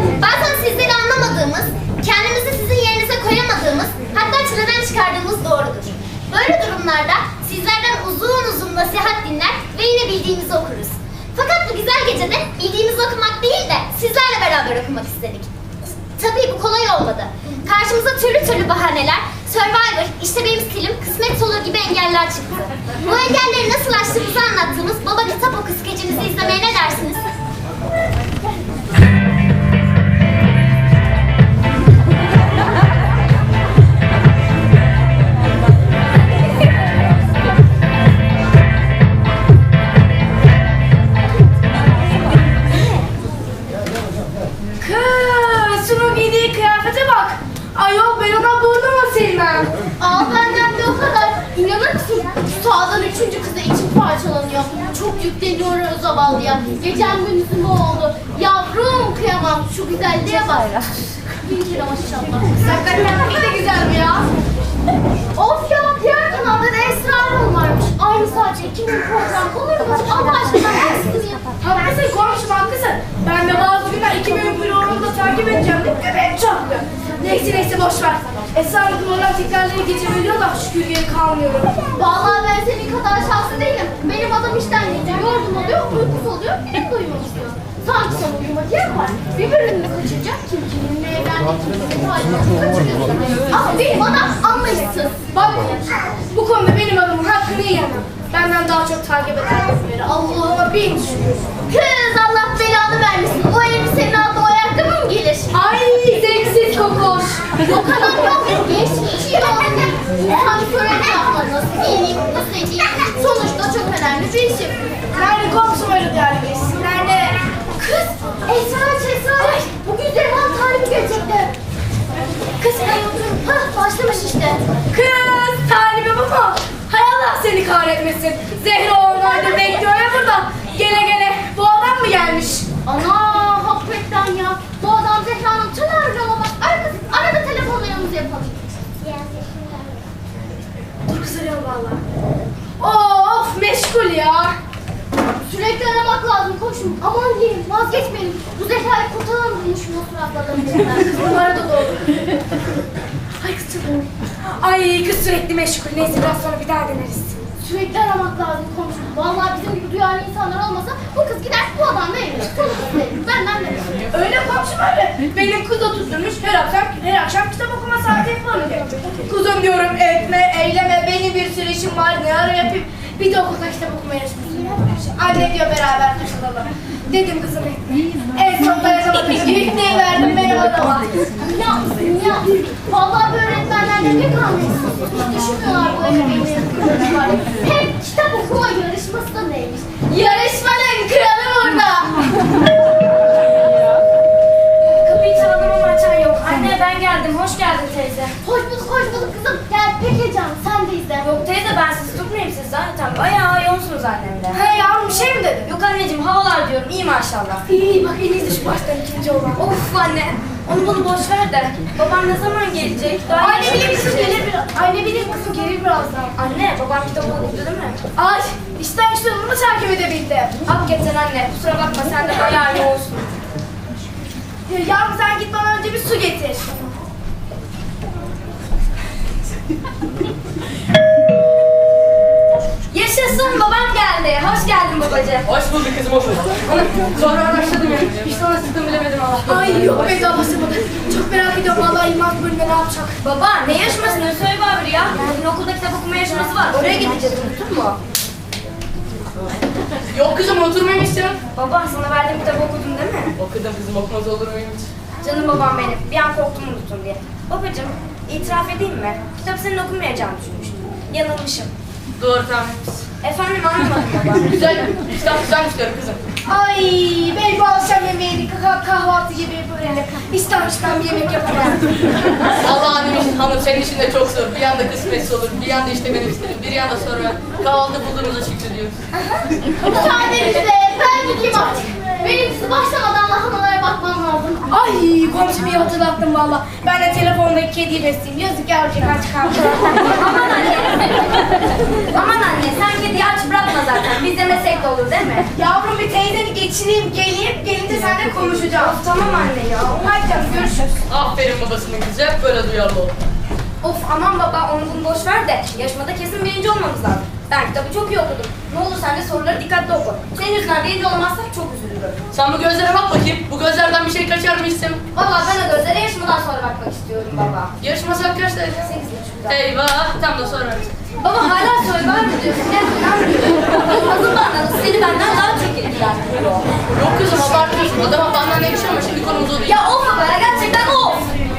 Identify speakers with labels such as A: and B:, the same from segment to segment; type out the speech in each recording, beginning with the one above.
A: Bazen sizleri anlamadığımız, kendimizi sizin yerinize koyamadığımız, hatta çileden çıkardığımız doğrudur. Böyle durumlarda sizlerden uzun uzun nasihat dinler ve yine bildiğimizi okuruz. Fakat bu güzel gecede bildiğimizi okumak değil de sizlerle beraber okumak istedik. Tabii bu kolay olmadı. Karşımıza türlü bahaneler, Survivor, işte benim stilim, kısmet olur gibi engeller çıktı. Bu engelleri nasıl aştığımızı anlattığımız Baba Kitap Oku skecimizi izlemeye ne dersiniz?
B: Kız, şunun giydiği kıyafete bak. Ayol ben ona burnuma silmem.
A: Aa benden de o kadar. İnanır mısın? Şu sağdan 3. kıza içim parçalanıyor. Çok yükleniyor o zavallıya. Gecem gündüzüm o oldu. Yavrum kıyamam. Şu güzelliğe bak. Bin kere maşallah.
B: Hakikaten pek de güzel mi ya?
A: Of ya, diğer kanalda da Esra Erol varmış. Aynı sadece 2 gün program olur mu? Allah aşkına ben sıkıntı yapayım.
B: Haklısın komşum haklısın. Ben de bazı günler 2 bölüm programını da takip edeceğim değil mi? Evet çaktı. Neyse boş ver. Esra Hanım oradan tekrarları geçebiliyor da şükür geri kalmıyorum.
A: Vallahi ben senin kadar şanslı değilim. Benim adam işten gelince yorgun oluyor, uykusuz oluyor, benim de uyumak istiyor. Sanki sana uyumak yer var. Bir bölümünü kaçınca kim kiminle evlendiği kimsenin halini kaçırıyorsun. Ama benim adam anlayışsız.
B: Bak bu konuda benim adamın hakkını yiyemem. Benden daha çok takip eden biri. Allah'ıma bin şükür.
A: Kız Allah belanı vermesin. O elbisenin altına o ayakkabı mı gelir?
B: Ay seksiz kokoş.
A: O kadar yok. Geçiyor. İnsan söyledi yapmalı. Nasıl giyineyim, nasıl edeyim. Sonuçta çok önemli bir işim.
B: Nerede komşum öyle yani geçsin? Nerede?
A: Kız Esra. Bugün Zerhan tarifi gelecekti. Kız başlamış işte.
B: Kız talibi bu mu? Hay Allah seni kahretmesin. Zehra ormandır bekliyor ya burada. Gele bu adam mı gelmiş?
A: Ana hakikaten ya. Bu adam Zehra'nın tınarlı ama arkası arada telefonlarımızı yapalım.
B: Dur kız arayalım valla. Of meşgul ya.
A: Sürekli aramak lazım koşun. Aman diyeyim vazgeçmeyelim. Bu Zehra'yı kurtaralım şunu suratlarından.
B: Numara da doğru. Ay kız çok Ay kız sürekli meşgul. Neyse biraz sonra bir daha deneriz.
A: Sürekli aramak lazım komşum. Vallahi bizim gibi duyarlı insanlar olmasa bu kız gider bu adamla evlenir. Sonuç verir. Benden de.
B: Öyle komşum öyle. Benim kız da tutturmuş her akşam kitap okuma saati yapalım diyor. Kuzum diyorum etme, eyleme, benim bir sürü işim var ne ara yapayım. Bir de okulda kitap okuma yarışması yapmış. Anne diyor beraber katılalım. Dedim kızım etme. En son dayanamadım. İlkneyi verdim benim adama.
A: Ya. Vallahi bu öğretmenler ne kalmışsın. Hiç düşünmüyorlar bu ebeveynlerin var. Hem kitap okuma yarışması da neymiş? Yarışmanın kralı burada.
B: Kapıyı çaldım ama açan yok. Anne ben geldim. Hoş geldin teyze.
A: Hoş bulduk kızım. Gel Pekecan sen de izle.
C: Yok teyze ben sizi tutmayayım siz zaten. Bayağı yoğunsunuz annemle.
B: He yavrum bir şey mi dedin?
C: Yok anneciğim havalar diyorum iyi maşallah.
B: İyi bak en iyisi şu baştan ikinci olan.
C: Of anne onu bunu boş ver de. Babam ne zaman gelecek? Daha
B: Anne
C: yeni
B: bilir kızım
C: gelecek.
B: gelir biraz. Anne bilir kızım gelir birazdan.
C: Anne babam kitap okudu değil mi?
B: Ay işten işte onu takip edebildim.
C: Hakikaten anne kusura bakma sen de bayağı yoğunsun.
B: Yavrum sen git bana önce bir su getir.
C: Yaşasın babam geldi. Hoş geldin babacığım.
D: Hoş bulduk kızım, hoş bulduk. Sonra araştırdım ya. Hiç sonra sıktım bilemedim Allah.
B: Ay yok be daha başlamadı. Çok merak ediyorum vallahi İlmaz bölümde ne yapacak.
C: Baba ne yarışması ne söyle bari ya. Bugün okulda kitap okuma yarışması var. Oraya gideceğiz unuttun mu?
D: Yok kızım, oturmamışsın.
C: Baba sana verdiğim kitabı okudun değil mi?
D: Okudum kızım, okumaz olur muyum hiç?
C: Canım babam benim. Bir an korktum unuttun diye. Babacığım itiraf edeyim mi? Kitap senin okumayacağını düşünmüştüm. Yanılmışım.
D: Doğru tahmin etmişsin.
C: Efendim anlamadım baba.
D: Güzel, kitap güzelmiş diyorum kızım.
B: Ay belki bu akşam yemeğini kahvaltı gibi böyle İstanbul'dan bir yemek yapamam.
D: Allah'ın hanım senin işin de çok zor. Bir yanda kısmetsiz olur, bir yanda işte benim isterim, bir yanda sonra kahvaltı bulduğumuza şükrediyoruz.
A: Müsaadenizle ben gideyim artık. Benim sizi başlamadan lahanalara bakmam lazım.
B: Ay komşum iyi hatırlattın valla. Ben de telefondaki kediyi besleyeyim. Yazık yavrucak aç kaldı.
C: Aman anne. Aman anne sen kediyi aç bırakma zaten. Biz yemesek de olur değil mi?
B: Yavrum bir teyzeni geçireyim geleyim. Gelince seninle konuşacağız.
C: Tamam anne ya.
B: Hadi canım görüşürüz.
D: Aferin babasının kızı, hep böyle duyarlı ol.
C: Of aman baba onu bunu boş ver de yarışmada kesin birinci olmamız lazım. Ben kitabı çok iyi okudum. Ne olur sen de soruları dikkatli oku. Senin yüzünden birinci olamazsak çok üzülürüm.
D: Sen bu gözlere bak bakayım, bu gözlerden bir şey kaçar mı isim?
C: Valla ben o gözlere yarışmadan sonra bakmak istiyorum baba.
D: Yarışma saat kaçtaydı?
C: 8.30'da.
D: Eyvah, tam da sonra.
C: Baba hala söyle var mı diyorsun? Ne inanmıyorum. Hazır anladın seni benden daha çok ilgilendiriyor.
D: Yok kızım, abartıyorsun. Adama benden ne ama şimdi konumuz o değil.
C: Ya of baba ya gerçekten of.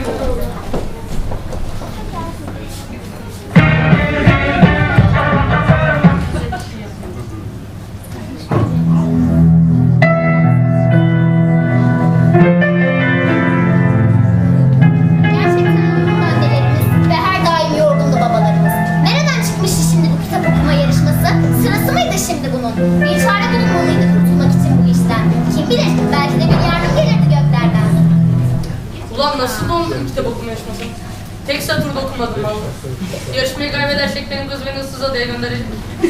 A: Gerçekten yorgun annelerimiz ve her daim yorgundu babalarımız. Nereden çıkmıştı şimdi bu kitap okuma yarışması? Sırası mıydı şimdi bunun? Bir çare bulunmalıydı kurtulmak için bu işten. Kim bilir, belki de bir yardım gelirdi göklerden.
D: Ulan nasıl oldu kitap okuma yarışması? Tek satırda okumadım valla. Yarışmayı kaybedersek benim kız beni ıssız adaya gönderecek.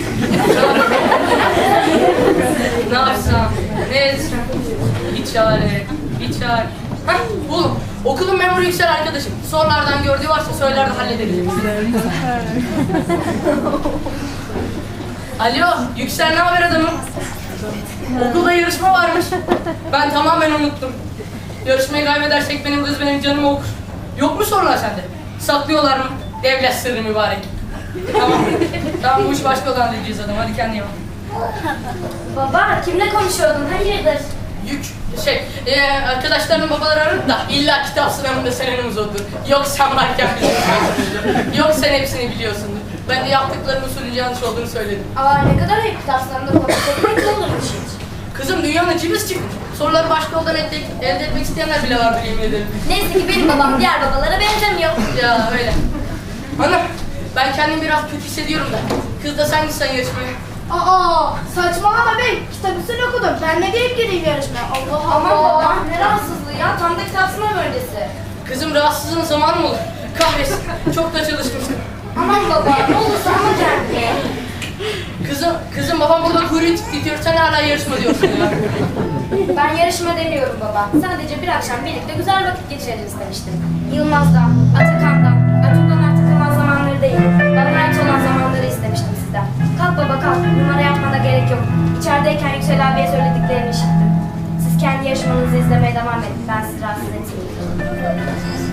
D: Ne yapsam, ne etsem? Bir çare, bir çare. Heh, buldum. Okulun memuru Yüksel arkadaşım. Sorulardan gördüğü varsa söyler de hallederiz. Alo, Yüksel ne haber adamım? Okulda yarışma varmış. Ben tamamen unuttum. Yarışmayı kaybedersek benim kız benim canımı okur. Yok mu sorular sende? Saklıyorlar mı? Devlet sırrı mübarek. Tamam. Tamam bu iş başka olan diyeceğiz adam. Hadi kendine bak.
C: Baba kimle konuşuyordun? Hayırdır?
D: Yük. Arkadaşlarının babaları aradı da illa kitap sınavında senin uzundur. Yok sen varken biliyorsundur. Yok sen hepsini biliyorsundur. Ben de yaptıklarının usulünce yanlış olduğunu söyledim.
C: Aa ne kadar ayıp kitaplarında konuşmak ne olurmuş hiç.
D: Kızım dünyanın cibis çıkmış. Soruları başka yoldan elde etmek isteyenler bile vardır yemin ederim.
C: Neyse ki benim babam diğer babalara benzemiyor.
D: Ya öyle. Hanım ben kendimi biraz kötü hissediyorum da. Kız da sen gitsen yarışmaya.
B: Aa saçmalama bey. Kitabı sen okudun. Ben ne diyeyim gireyim yarışmaya? Allah
C: Aman
B: Allah.
C: baba ne rahatsızlığı ya tam da kitap sınav öncesi.
D: Kızım rahatsızlığın zamanı mı olur? Kahretsin. Çok da çalışmışsın.
C: Aman baba ne olursa ama kendine.
D: Kızım babam burada kuyruğu titriyor. Sen hala yarışma diyorsun ya.
C: Ben yarışma demiyorum baba. Sadece bir akşam birlikte güzel vakit geçireceğiz istemiştim. Yılmaz'dan, Atakan'dan, Atuk'tan artık kalan zamanları değil. Bana ait olan zamanları istemiştim sizden. Kalk baba kalk. Numara yapmana gerek yok. İçerideyken Yüksel abiye söylediklerini işittim. Siz kendi yarışmanızı izlemeye devam edin. Ben sizi rahatsız etmeyeyim.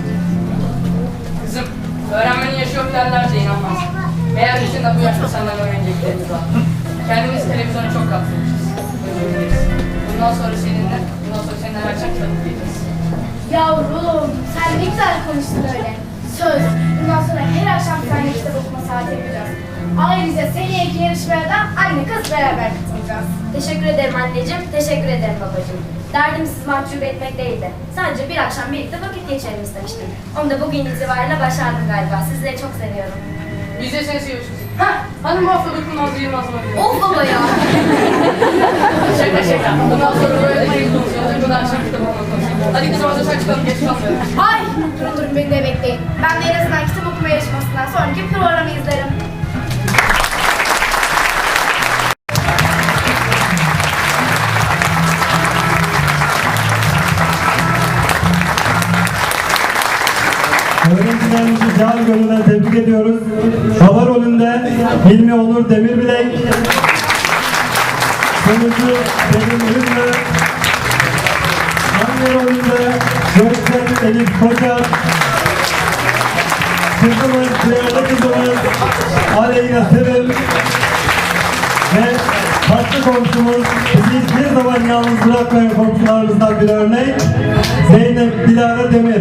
D: Kızım öğrenmenin yaşı yok derlerse inanmaz. Meğer bizim de bu yaşta senden öğreneceklerimiz var. Kendimiz televizyona çok kaptırmışız. Bundan sonra seninle her akşam kitap okuyacağız.
B: Yavrum sen ne güzel konuştun öyle. Söz. Bundan sonra her akşam seninle kitap okuma saati yapacağız. Ayrıca seneyeki yarışmaya da anne kız beraber katılacağız.
C: Teşekkür ederim anneciğim, teşekkür ederim babacığım. Derdim sizi mahcup etmek değildi. Sadece bir akşam birlikte vakit geçirelim istemiştim. Onu da bugün itibariyle başardım galiba. Sizleri çok seviyorum.
D: Biz de seni seviyoruz. Hah, hanım bu hafta dokunmaz Yılmaz mı diyor.
C: Of baba ya!
D: Şaka şaka. Bundan sonra böyle şey konuşuyoruz. Bundan akşam kitap okuma konuşuyoruz. Hadi kızım hazırsan çıkalım, geç kalmayalım.
B: Ay durun beni de bekleyin. Ben de en azından kitap okuma yarışmasından sonraki programı izlerim.
E: Öğrencilerimizi can gönülden tebrik ediyoruz. Baba rolünde Hilmi Onur Demirbilek, sunucu Selim Ünlü, anne rolünde Göksel Elif Koca, kızımız, değerli kızımız Aleyna Sevil ve tatlı komşumuz, bizi hiçbir zaman yalnız bırakmayan komşularımızdan bir örnek Zeynep Dilara Demir.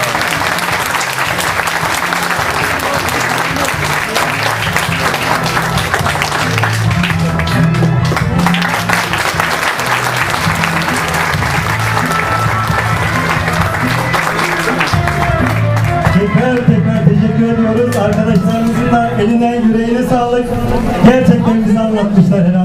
E: Tekrar teşekkür ediyoruz. Arkadaşlarımızın da eline yüreğine sağlık. Gerçekten bize anlatmışlar.